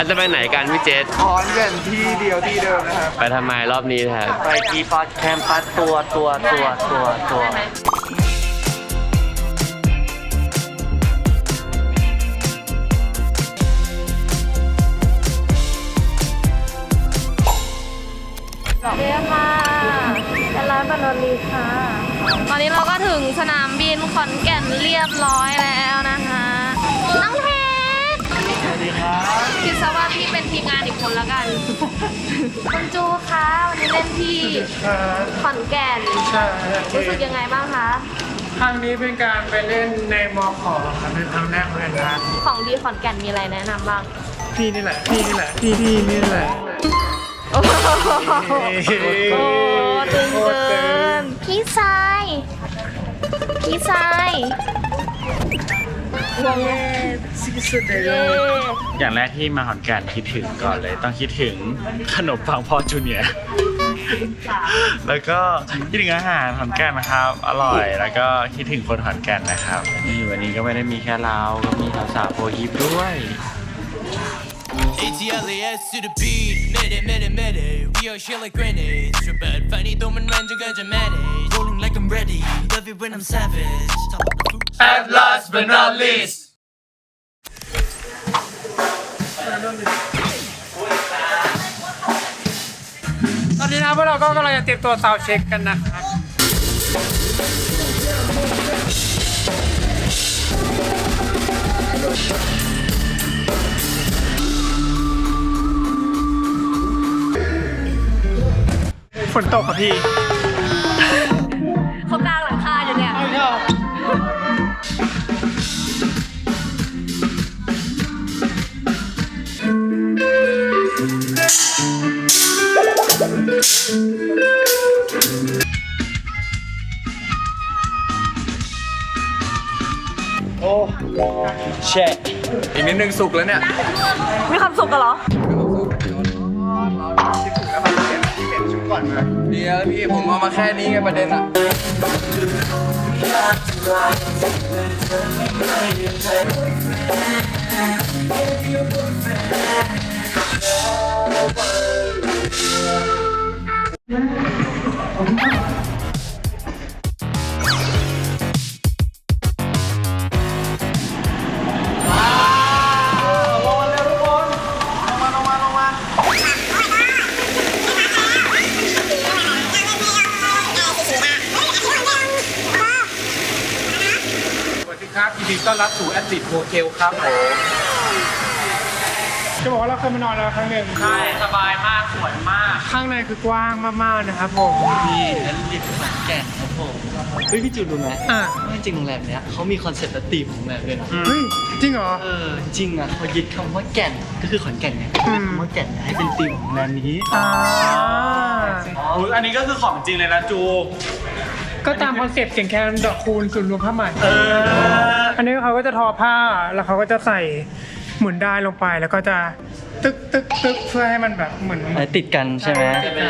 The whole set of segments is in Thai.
เราจะไปไหนกันพี่เจษขอนแก่นที่เดียวที่เดิมนะครับไปทำไมรอบนี้ครับไปกีฟอสแคมปัสตัวเรียกค่ะเป็นร้านบานอลีค่ะตอนนี้เราก็ถึงสนามบินขอนแก่นเรียบร้อยแล้วนะคะน้องเพชรสวัสดีครับคิดซะว่าพี่เป็นทีมงานอีกคนแล้วกันคุณจูคะวันนี้เล่นที่ขอนแก่นรู้สึกยังไงบ้างคะครั้งนี้เป็นการไปเล่นในมอขอครับเป็นครั้งแรกเหมือนกันนะของดีขอนแก่นมีอะไรแนะนำบ้างพี่นี่แหละพี่นี่แหละโอ้ตึงเกินพี่ทรายสุดเลยอย่างแรกที่มาขอนแก่นคิดถึงก่อนเลยต้องคิดถึงขนมปังพ่อจูเนียร์แล้วก็คิดถึงอาหารขอนแก่นนะครับอร่อยแล้วก็คิดถึงคนขอนแก่นนะครับนี่วันนี้ก็ไม่ได้มีแค่เราก็มีสาวๆโปรยิปด้วย ATLAS to the beat, mid-it, we are shit like grenades. Trip bad, funny, don't man, you got your manage. Rolling like I'm ready, love it when I'm savage. At last but not least ตอนนี้นะพวกเราก็กำลังจะเตรียมตัวซาวด์เช็คกันนะครับฝนตกครับพี่เขากลางหลังคาอยู่เนี่ยโอ้แช่อีกนิดนึงสุกแล้วเนี่ยมีความสุขกันเหรอเดี๋ยวพี่ผมเอามาแค่นี้ไงประเด็นอะครับยินดีต้อนรับสู่แอดดิทโฮเทลครับผมจะบอกว่าเราเคยมานอนแล้วครั้งหนึ่งใช่สบายมากสวยมากข้างในคือกว้างมากๆนะครับผมนี่แอดลิทขอนแก่นครับผมเฮ้ยพี่จูรู้ไหมว่าจริงโรงแรมเนี้ยเขามีคอนเซ็ปต์และธีมของโรงแรมด้วยนะเฮ้ยจริงเหรอจริงอ่ะเขายึดคำว่าแก่นก็คือขอนแก่นไงคำว่าแก่นให้เป็นธีมของโรงแรมนี้อันนี้ก็คือของจริงเลยนะจูก็ตามคอนเซ็ปต์เสียงแคนดอกคูณศูนย์รวมผ้าไหมอันนี้เขาก็จะทอผ้าแล้วเขาก็จะใส่หมุนได้ลงไปแล้วก็จะตึกเพื่อให้มันแบบเหมือนติดกันใช่ไหม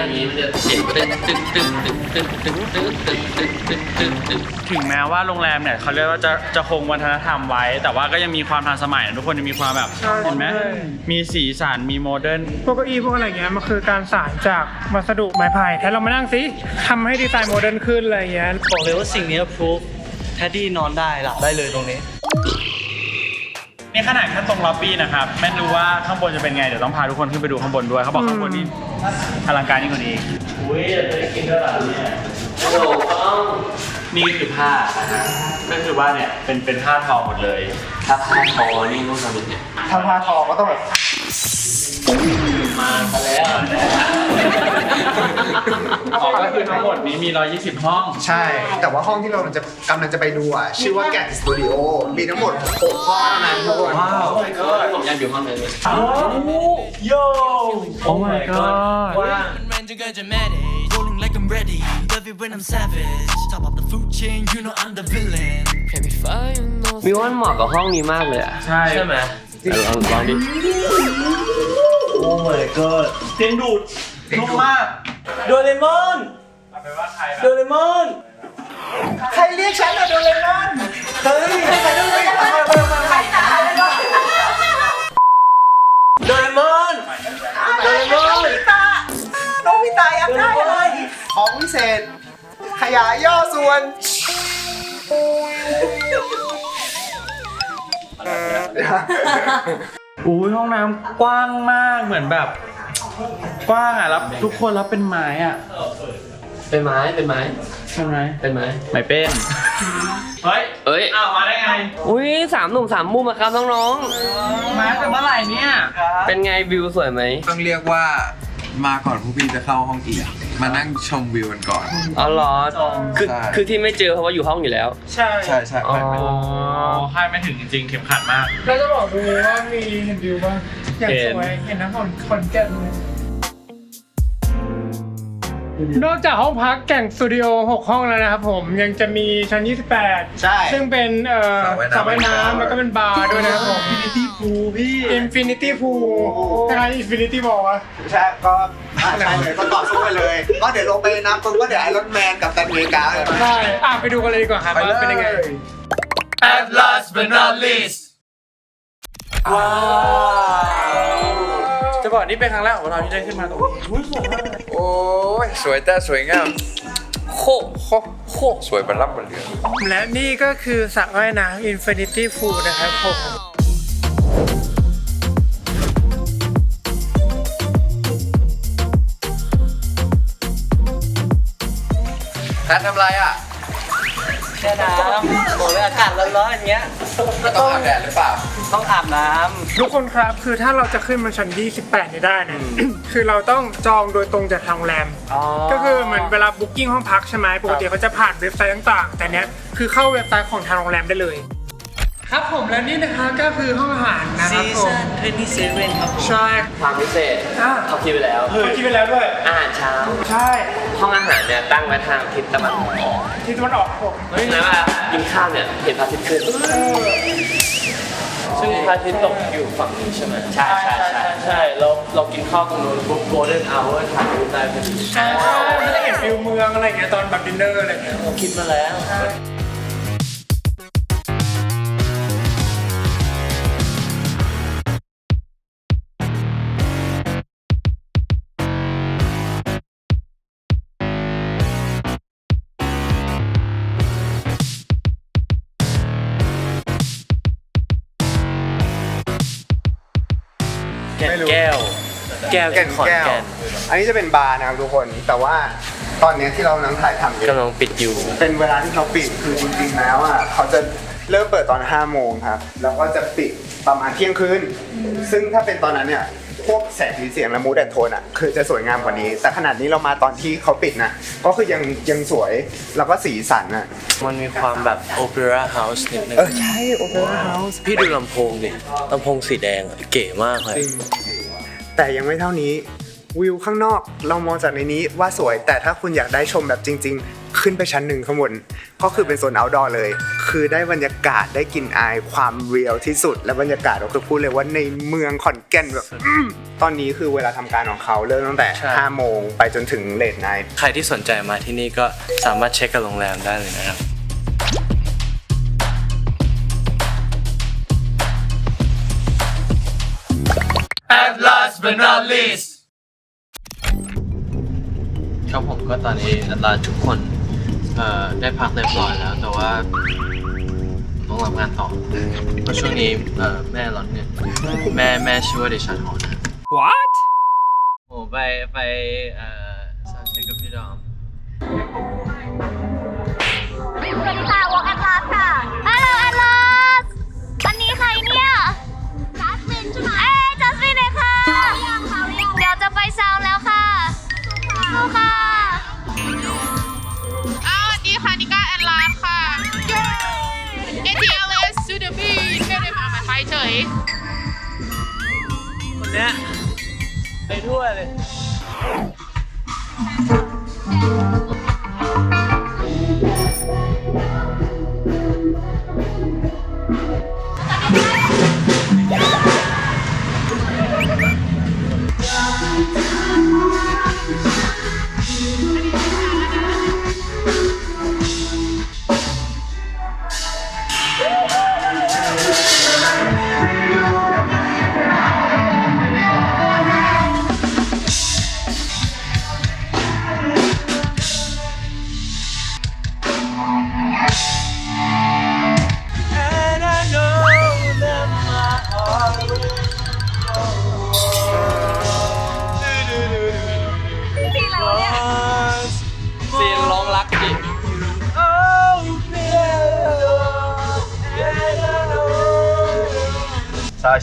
ถึงแม้ว่าโรงแรมเนี่ยเขาเรียกว่าจะคงวัฒนธรรมไว้แต่ว่าก็ยังมีความทันสมัยทุกคนยังมีความแบบเห็นไหมมีสีสันมีโมเดิร์นพวกเก้าอี้พวกอะไรเงี้ยมันคือการสานจากวัสดุไม้ไผ่ถ้าเรามานั่งสิทำให้ดีไซน์โมเดิร์นขึ้นอะไรเงี้ยบอกเลยว่าสิ่งนี้พรูฟแทดดี้นอนได้หลับได้เลยตรงนี้นี่ขนาดแค่ตรงล็อบบี้นะครับไม่รู้ว่าข้างบนจะเป็นไงเดี๋ยวต้องพาทุกคนขึ้นไปดูข้างบนด้วยเขาบอกข้างบนนี่อลังการยิ่งกว่านี้อุ้ยจะได้กินด้วยหรอเนี่ยโอ้โหนี่คือผ้าก็คือว่าเนี่ยเป็นผ้าทอหมดเลยถ้าผ้าทอนี่ต้องทำยังไงถ้าผ้าทอก็ต้องแบบมาซะแล้วก็คือทั้งหมดนี้มี120ห้องใช่แต่ว่าห้องที่เรากำลังจะไปดูอ่ะชื่อว่าแกะสตูดิโอมีทั้งหมด6ห้องเท่านั้นทุกคนว้าวผมยังอยู่ห้องนึงโย่ Oh my god Rolling like I'm ready, love it when I'm savage. Top of the food chain, you know I'm the villain. มีวันเหมาะกับห้องนี้มากเลยอ่ะใช่ไหมลองดิ Oh my god เตียงดูดนุ่มมากโดเรมอนโดเรมอนใครเรียกฉันอะโดเรมอนเฮ้ยใครโดเรมอนโดเรมอนพิเศษ ขยายย่อส่วนอุ้ยห้องน้ำกว้างมากเหมือนแบบ กว้างอ่ะแล้วทุกคนรับเป็นไม้อ่ะเป็นไม้เป็นไม้ใช่ไหมเป็นไม้ไม้เป็นเฮ้ยเอ้ยอ้าวมาได้ไงอุ้ยสามหนุ่มสามมุมอะครับน้องมาแต่เมื่อไหร่เนี่ยๆเป็นไงวิวสวยไหมต้องเรียกว่ามาก่อนพวกพี่จะเข้าห้องอีก มานั่งชมวิวกันก่อนอ๋อเหรอคือใช่คือที่ไม่เจอเพราะว่าอยู่ห้องอยู่แล้วใช่ใช่ใช่อ๋อคาดไม่ถึงจริงๆ เข็มขัดมากเราจะบอกดูว่ามีเห็นวิวป่ะอย่างเห็นสวยเห็นน้ำขอนแก่นเลยนอกจากห้องพักแก่งสตูดิโอ6 ห้องแล้วนะครับผมยังจะมีชั้น 28 ใช่ซึ่งเป็นสระว่ายน้ำแล้วก็เป็นบาร์ด้วยนะครับผม Infinity Pool พี่ Infinity Pool ใช่ Infinity บอกว่าใช่ก็ใช่เลยก็ต่อสู้ไปเลย ก็เดี๋ยวลงไปน้ำปุ๊บก็เดี๋ยวไอรอนแมนกับตันอเมริกาเลยใช่ไปดูกันเลยดีกว่าครับว่าเป็นยังไง At last but not least ว้าว จะบอกนี่เป็นครั้งแรกของเราที่ได้ขึ้นมาตรงนี้โอ้ยสวยแต่สวยงามโคโคสวยบรรลับบรรเลือและนี่ก็คือสระว่ายน้ำ Infinity Pool นะครับผมแพททำไรอ่ะแช่น้ำโอ้ยอากาศร้อนๆอย่างเงี้ยต้องอาบแดดหรือเปล่าต้องอาบน้ำทุกคนครับคือถ้าเราจะขึ้นมาชั้น28นี่ได้เนี่ย คือเราต้องจองโดยตรงจากทางโรงแรม ก็คือเหมือนเวลาบุ๊กิ้งห้องพักใช่ไหมปกติเขาจะผ่านเว็บไซต์ต่างๆ แต่เนี้ยคือเข้าเว็บไซต์ของทางโรงแรมได้เลย ครับผมและนี่นะคะก็คือห้องอาหารนะครับผม 27ครับใช่ความพิเศษเขาคิดไปแล้วเขาคิดไปแล้วด้วยอาหารเช้าใช่ห้องอาหารเนี่ยตั้งไว้ทางทิศตะวันออกที่ตะวันออกครับผมเพราะฉะนั้นเวลากินข้าวเนี่ยเห็นพระอาทิตย์ขึ้นซึ่งพระอาทิตย์ตกอยู่ฝั่งนี้ใช่ไหมใช่ใช่ใช่ใช่เรากินข้าวตรงนู้นปุ๊บโกลเด้นเอาท์ถ่ายรูปได้พอดีใช่ไม่ได้เห็นฟิลเมืองอะไรอย่างเงี้ยตอนแบบดินเนอร์อะไรอย่างเงี้ยคิดมาแล้ว แก้วแก่นแก้ว อันนี้จะเป็นบาร์นะครับทุกคน แต่ว่าตอนเนี้ยที่เรากำลังถ่ายทำอยู่กำลังปิดอยู่เป็นเวลาที่เขาปิดคือจริงๆแล้วอ่ะเขาจะเริ่มเปิดตอน5 โมงครับ แล้วก็จะปิดประมาณเที่ยงคืน ซึ่งถ้าเป็นตอนนั้นเนี่ยพวกแสงสีเสียงและมูดแอนโทนอ่ะคือจะสวยงามกว่านี้ แต่ขนาดนี้เรามาตอนที่เขาปิดนะก็คือยังสวยแล้วก็สีสันอ่ะมันมีความแบบโอเปร่าเฮาส์นิดนึงใช่โอเปร่าเฮาส์พี่ดูลำโพงดิลำโพงสีแดงอะเก๋มากเลยแต่ยังไม่เท่านี้วิวข้างนอกเรามองจากในนี้ว่าสวย แต่ถ้าคุณอยากได้ชมแบบจริง ๆ ขึ้นไปชั้น 1ข้างบนก็คือเป็นโซน outdoor เลย คือได้บรรยากาศได้กลิ่นอายความเรียลที่สุด และบรรยากาศก็คือพูดเลยว่าในเมืองขอนแก่นแบบตอนนี้คือเวลาทำการของเขาเริ่มตั้งแต่ใช่ 5 โมงไปจนถึงเลทไนท์ใครที่สนใจมาที่นี่ก็สามารถเช็คกับโรงแรมได้เลยนะครับ At last but not least ครับผมก็ตอนนี้อัตราทุกคนได้พักเรียบร้อยแล้ว แต่ว่าต้องรับงานต่อเพราะช่วงนี้แม่ร้อนเงินแม่ชื่อว่าเดชาธรนะ What โอ้ไปซาวด์เช็คกับพี่ดอมสวัสดีค่ะวอล์กแอดลาสค่ะฮัลโหลแอดลาสอันนี้ใครเนี่ยจัสมินใช่ไหมจัสมินเลยค่ะเดี๋ยวจะไปซาวน์แล้วค่ะสู้ค่ะดีค่ะนิก้าแอนลานค่ะโย่ ATLS to the beat ไม่ได้มาไปเฉยคนเนี้ยไปทั่วเลยเ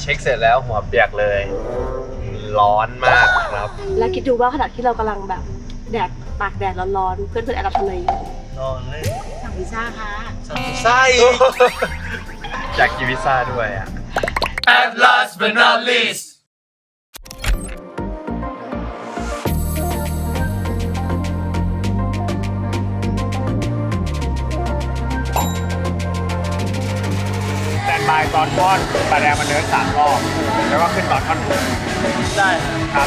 ช็คเสร็จแล้วหัวเปียกเลย ร้อนมากครับแล้วคิดดูว่าขณะที่เรากำลังแบบแดดตากแดดร้อนๆเพื่อนๆแอบทำอะไรอยู่นอนเลยสั่งพิซซ่าค่ะไส้ อยากกินพิซซ่าด้วยอ่ะ At last but not least แตนบายตอนท่อนปลาแดงมันเดิน3 รอบ แล้วก็ขึ้นตอนท่อนได้ครับ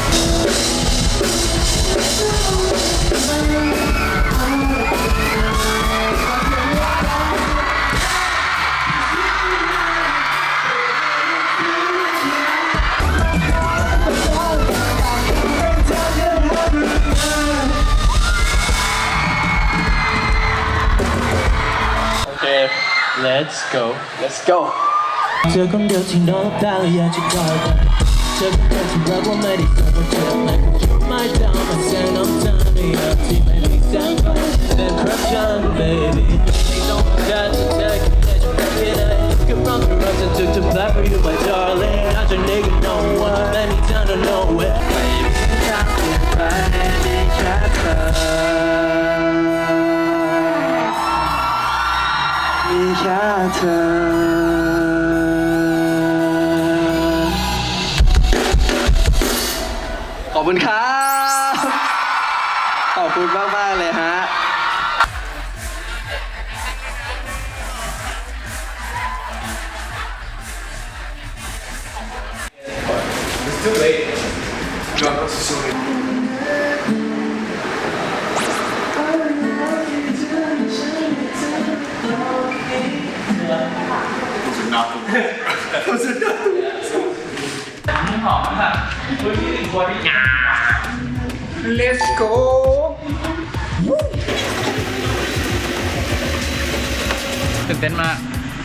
โอเค let's go เธอคนเดียวที่นอกตาและอยากจะกอดกันเธอคนเดียวที่รักว่าไม่ได้เจอว่าเธอไม่เคยจุดไม้ดาวมาแสนน้ำตาไม่อยากที่ไม่มีแสงไฟ Then corruption baby ไม่ต้องการจะเธอแค่จะรักแค่ไหนก็ร้องก็ร้องฉันจะ black for you my darling อาจจะ nigga know what ไม่มีทางto know it ไม่มีทางที่ไปมีแค่เธอมีแค่เธอขอบคุณครับ ขอบคุณมากๆเลยฮะ Let's go ตื่นเต้นมาก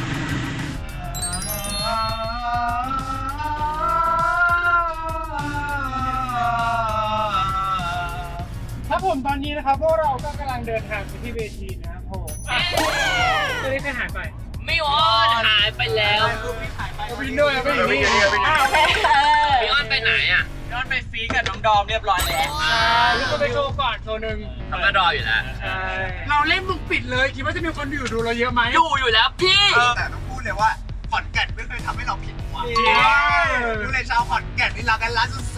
ครับผมตอนนี้นะครับพวกเราก็กำลังเดินทางไปที่เวทีนะครับผมตัวนี้ใครหายไปไม่วอนหายไปแล้ววินด้วยไม่อยู่นี่พี่อ้อนไปไหนอ่ะย้อนไปฟีกับน้องดอมเรียบร้อยแล้วแล้วก็ไปโชว์ก่อนโชว์หนึ่งทำกระดออยู่แล้วใช่เราเล่นมุกปิดเลยคิดว่าจะมีคนดูเราเยอะไหมอยู่แล้วพี่แต่ต้องพูดเลยว่าขอนแก่นไม่เคยทำให้เราผิดหวังดูเลยชาวขอนแก่นนี่รักกันล้านสุด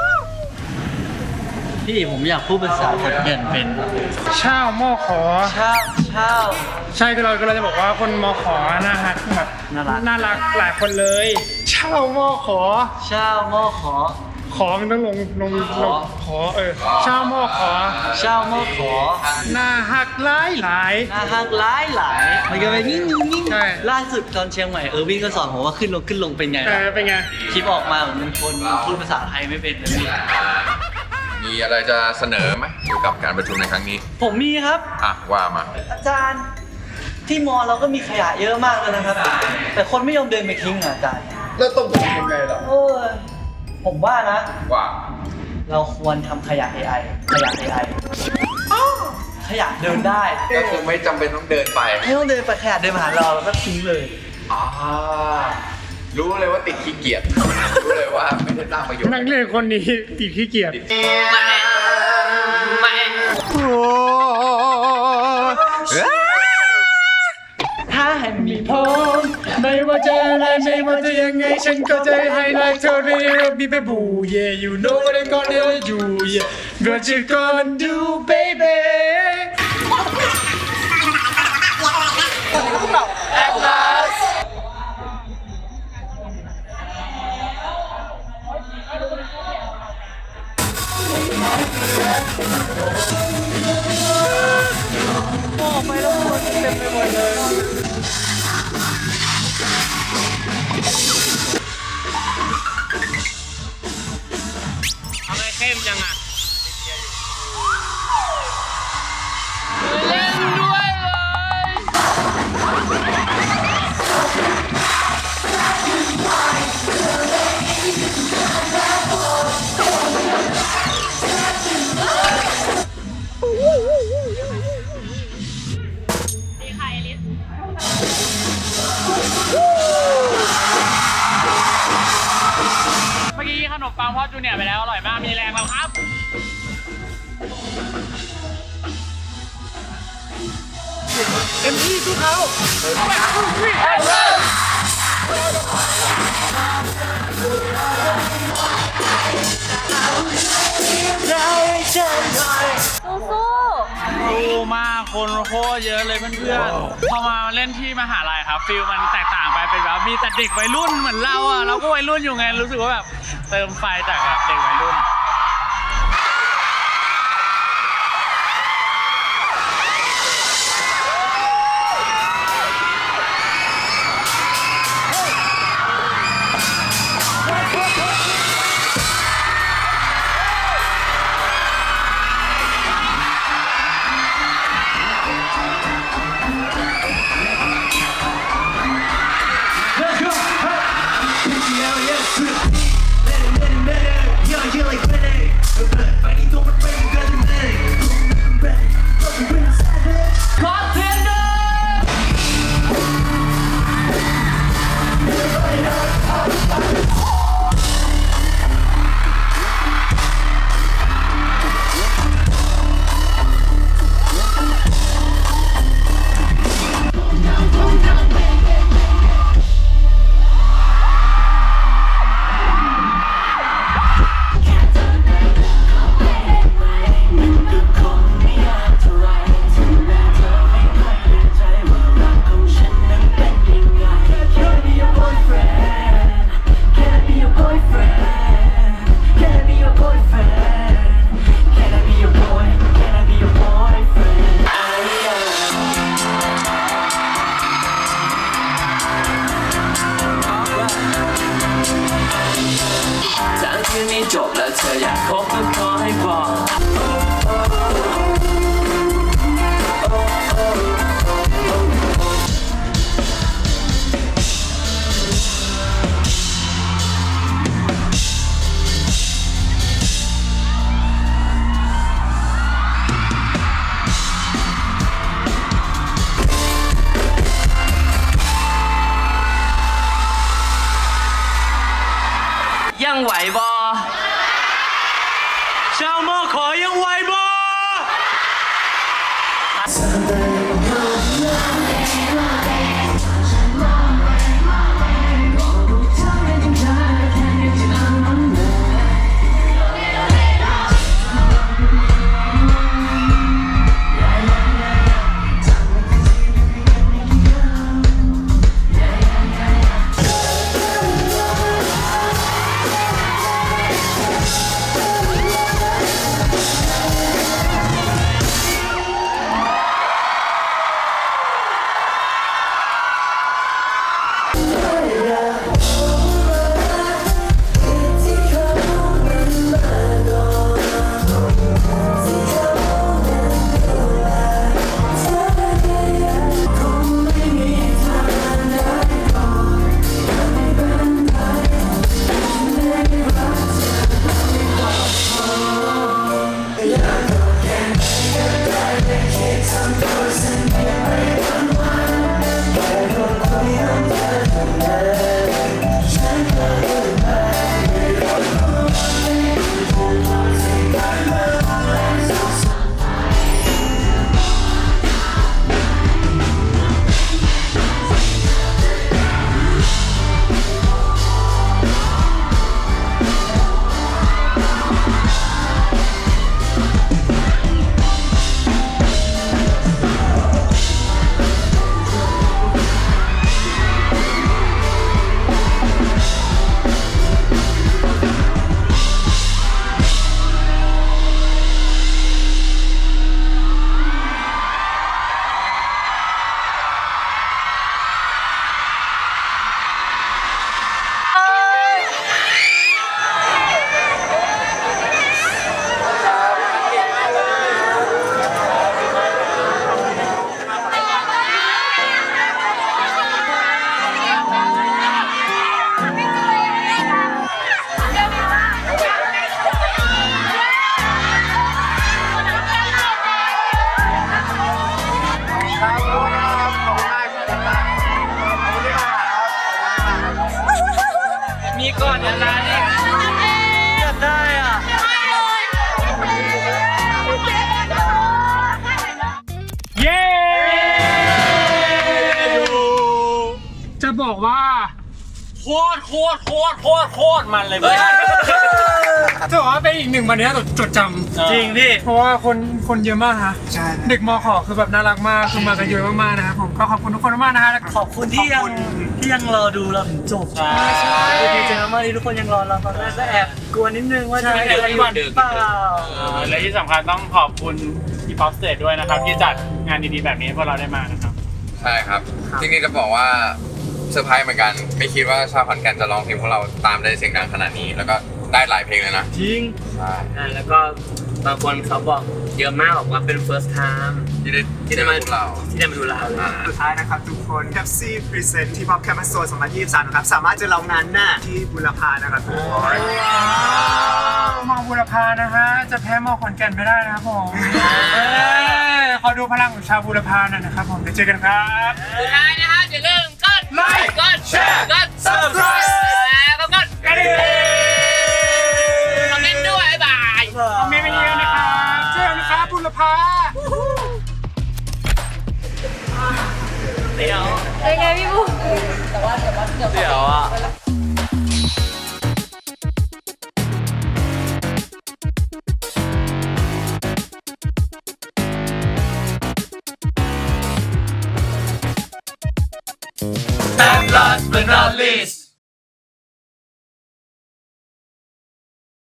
พี่ผมอยากพูดภาษาขอนแก่นเป็นเช่าหม้อขอเช่าใช่ก็เราจะบอกว่าคนมอขอน่ารักแบบน่ารักหลายคนเลย เช่าหม้อขอเช่าหม้อขอขอมันต้องลงขอเช่าหม้อขอเช่าหม้อขอหน้าหักหลายหน้าฮักหลายมันก็เป็นนิ่งใช่ล่าสุดตอนเชียงใหม่วิ่งก็สอนผมว่าขึ้นลงเป็นไงเป็นไงคลิปออกมาเหมือนเป็นคนพูดภาษาไทยไม่เป็นเลยพี่มีอะไรจะเสนอไหมเกี่ยวกับการประชุมในครั้งนี้ผมมีครับอ่ะ ว่ามาอาจารย์ที่มอเราก็มีขยะเยอะมากเลยนะครับ แต่คนไม่ยอมเดินไปทิ้งอ่ะอาจารย์แล้วต้องทำยังไงล่ะผมว่านะว่าเราควรทำขยะ AI ขยะเดินได้ก็คือไม่จำเป็นต้องเดินไปไม่ต้องเดินไปขยะเดินมาหาเราแล้วก็ทิ้งเลยอ่ารู้เลยว่าติดขี้เกียจ รู้เลยว่าไม่ได้สร้างประโยชน์นักเรียนคนนี้ติดขี้เกียจถ้าให้มีพรไม่ว่าจะอะไรไม่ว่าจะยังไงฉันก็จะให้ไลฟ์เธอเรียบไปบู yeah you know what I'm gonna do yeah what you gonna do baby At last ทำไมเข้มจังอ่ะมปังพ่อจูเนียร์ไปแล้วอร่อยมากมีแรงแล้วครับเต็มที่สู้เขาสู้มากคนโคตรเยอะเลยเพื่อนๆพอมาเล่นที่มหาลัยครับฟิลมันแตกต่างไปเป็นแบบมีแต่เด็กวัยรุ่นเหมือนเราอ่ะเราก็วัยรุ่นอยู่ไงรู้สึกว่าแบบเติมไฟจากแบบเด็กวัยรุ่นจบแล้วเธออยากคบก็ขอให้บอกยังไหวบอชาวโมขอยังไหวบอบอกว่าโคตรมันเลยเพื่อนจะบอกว่าเป็นอีกหนึ่งวันนี้จดจำจริงพี่เพราะว่าคนเยอะมากนะเด็กมขคือแบบน่ารักมากคือมากันเยอะมากๆนะครับผมก็ขอบคุณทุกคนมากๆนะฮะแล้วก็ขอบคุณที่ยังรอดูเราถึงจบใช่ดีใจมากที่ทุกคนยังรอเราตอนแรกก็แอบกลัวนิดนึงว่าจะมีอะไรหรือเปล่าและที่สำคัญต้องขอบคุณพี่ป๊อปสเตทด้วยนะครับที่จัดงานดีๆแบบนี้ให้พวกเราได้มานะครับใช่ครับจริงๆจะบอกว่าเซอร์ไพรส์เหมือนกัน ไม่คิดว่าชาวขอนแก่นจะร้องเพลงพวกเราตามได้เสียงดังขนาดนี้ แล้วก็ได้หลายเพลงเลยนะจริงใช่แล้วก็บางคนเขาบอกเยอะมากบอกว่าเป็น first time ที่ได้มาดูเราที่ได้มาดูเราสุดท้ายนะครับทุกคน Pepsi Present ที่ Pop Campus Tour 2023 นะครับ สามารถจะลองงานหน้าที่บุรพานะครับทุกคนมองบุรพานะฮะจะแพ้มองขอนแก่นไม่ได้นะครับผมขอดูพลังของชาวบุรพาหน่อยนะครับผมเดี๋ยวเจอกันครับสุดท้ายนะคะอย่าลืมกดไลค์กดแชร์กด subscribe แล้วก็กดกระดิ่งคอมเมนต์ด้วยบ๊ายบายคอมเมนต์กันเยอะนะครับเจอกันนะครับบุรพาเป็นไงพี่บุ๊คเดี๋ยวอ่ะ And last but not least